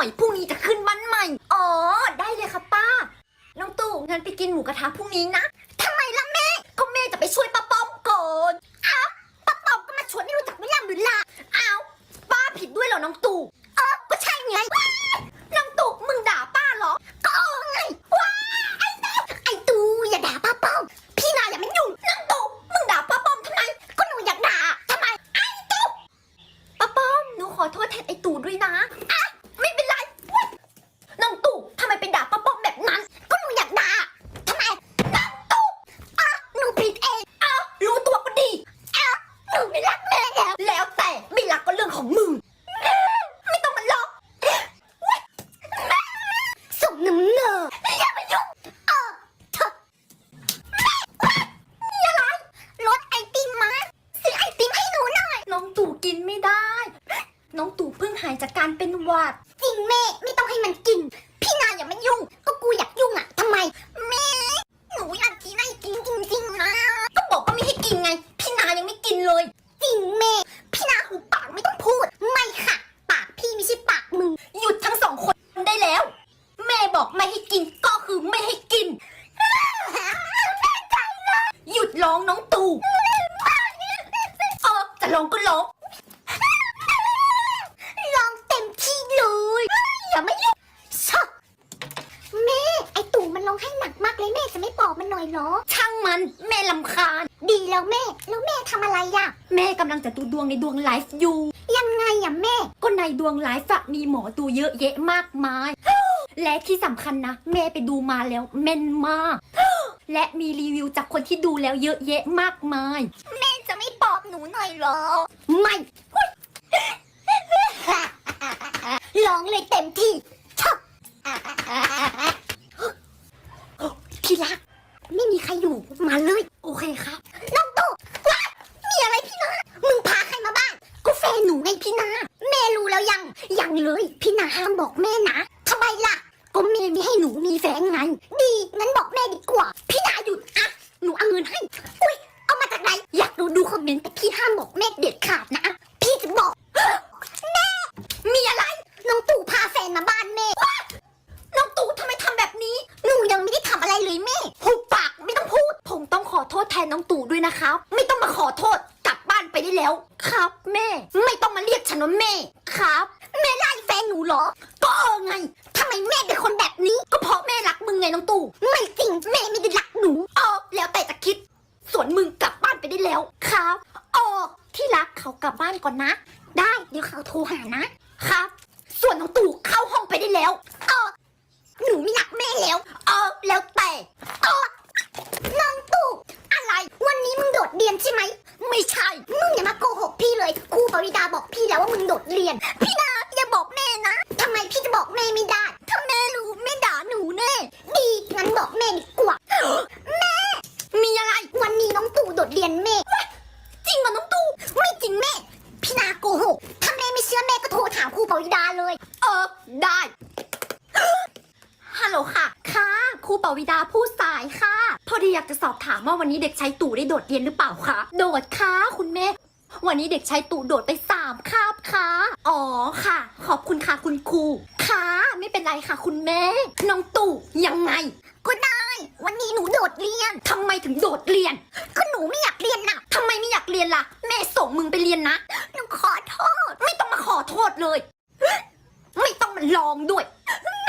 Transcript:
อยพรุ่งนี้จะขึ้นวันใหม่อ๋อได้เลยค่ะป้าน้องตู่งั้นไปกินหมูกระทะพรุ่งนี้นะทำไมล่ะแม่ก็แม่จะไปช่วยป้าป้อมก่อนอ้าวป้าป้อมก็มาชวนไม่รู้จักไม่ลำหรือล่ะอ้าวป้าผิดด้วยเหรอน้องตู่ก็ใช่ไงน้องตู่มึงด่าป้าเหรอก็ไงว้าไอ้ตู่อย่าด่าป้าป้อมพี่นาอย่ามายุ่งน้องตู่มึงด่าป้าป้อมทำไมก็หนูอยากด่าทำไมไอ้ตู่ป้าป้อมหนูขอโทษแทนไอ้ตู่ด้วยนะไม่เป็นไรน้องตู่ทำไมเป็นด่าป้าป้อมแบบนั้นก็หนูอยากด่าทำไมน้องตู่หนูผิดเองรู้ตัวก็ดีหนูไม่รักแม่แล้วแต่ไม่รักก็เรื่องของมึงไม่ต้องมาหลอกส่งน้ำเนออย่ามายุ่งเธอมีอะไรรถไอติมมาซื้อไอติมให้หนูหน่อยน้องตู่กินไม่ได้น้องตู่เพิ่งหายจากการเป็นหวัดจริงแม่ไม่ต้องให้มันกินพี่นาอย่ามายุ่งก็กูอยากยุ่งทำไมแม่หนูอยากกินไอติมจริงๆนะก็บอกว่าไม่ให้กินไงพี่นายังไม่กินเลยจริงแม่พี่นาหูปากไม่ต้องพูดไม่ค่ะปากพี่ไม่ใช่ปากมึงหยุดทั้งสองคนได้แล้วแม่บอกไม่ให้กินก็คือไม่ให้กินหยุดร้องน้องตู่จะร้องก็ร้องร้องเต็มที่เลยอย่ามายุ่งชอบแม่ไอตู่มันร้องให้หนักมากเลยแม่จะไม่ปลอบมันหน่อยเหรอช่างมันแม่ลำคาญดีแล้วแม่ทำอะไรแม่กำลังจะดูดวงในดวงไลฟ์อยู่ยังไงแม่ก็ในดวงไลฟ์มีหมอดูเยอะแยะมากมายและที่สำคัญนะแม่ไปดูมาแล้วแม่นมากและมีรีวิวจากคนที่ดูแล้วเยอะแยะมากมายแม่จะไม่ปลอบหนูหน่อยเหรอไม่ร้องเลยเต็มที่ชอบที่รักไม่มีใครอยู่มาเลยโอเคครับน้องตู่มีอะไรพี่นามึงพาใครมาบ้านก็แฟนหนูไงพี่นาแม่รู้แล้วยังเลยพี่นาห้ามบอกแม่นะทำไมล่ะก็แม่ไม่ให้หนูมีแฟนไงดีงั้นบอกแม่ดีกว่าพี่นาหยุดหนูเอาเงินให้อุ้ยเอามาจากไหนอยากดูคอมเมนต์แต่พี่ห้ามบอกแม่เด็ดขาดนะพี่จะบอกแม่มีอะไรน้องตู่พาแฟนมาบ้านแม่น้องตู่ทำไมทำแบบนี้หนูยังไม่ได้ทำอะไรเลยแม่หุบปากไม่ต้องพูดผมต้องขอโทษแทนน้องตู่ด้วยนะครับไม่ต้องมาขอโทษกลับบ้านไปได้แล้วครับแม่ไม่ต้องมาเรียกฉันว่าแม่ครับแม่ไล่แฟนหนูเหรอก็ไงทำไมแม่เป็นคนแบบนี้ก็เพราะแม่รักมึงไงน้องตู่ไม่จริงแม่ไม่ได้รักหนูแล้วแต่จะคิดส่วนมึงกลับบ้านไปได้แล้วครับที่รักเขากลับบ้านก่อนนะได้เดี๋ยวเขาโทรหานะครับส่วนน้องตู่เข้าห้องไปได้แล้วหนูไม่รักแม่แล้วแล้วแต่น้องตู่อะไรวันนี้มึงโดดเรียนใช่ไหมไม่ใช่มึงอย่ามาโกหกพี่เลยครูปริดาบอกพี่แล้วว่ามึงโดดเรียนพี่นาอย่าบอกแม่นะทำไมพี่จะบอกแม่ไม่ได้ถ้าแม่รู้แม่ด่าหนูแน่ดีงั้นบอกแม่ดีกว่าแม่มีอะไรวันนี้น้องตู่โดดเรียนแม่จริงเหรอน้องตู่ไม่จริงแม่พี่นาโกหกถ้าแม่ไม่เชื่อแม่ก็โทรถามครูปริดาเลยได้ฮัลโหลค่ะครูปวิดาผู้สายค่ะพอดีอยากจะสอบถามว่าวันนี้เด็กชายตู่ได้โดดเรียนหรือเปล่าคะโดดค่ะคุณแม่วันนี้เด็กชายตู่โดดไป3 คาบค่ะค่ะขอบคุณค่ะคุณครูค่ะไม่เป็นไรค่ะคุณแม่น้องตู่ยังไงก็ได้วันนี้หนูโดดเรียนทำไมถึงโดดเรียนก็หนูไม่อยากเรียนนะทำไมไม่อยากเรียนล่ะแม่ส่งมึงไปเรียนนะหนูขอโทษไม่ต้องมาขอโทษเลยไม่ต้องมาลองด้วย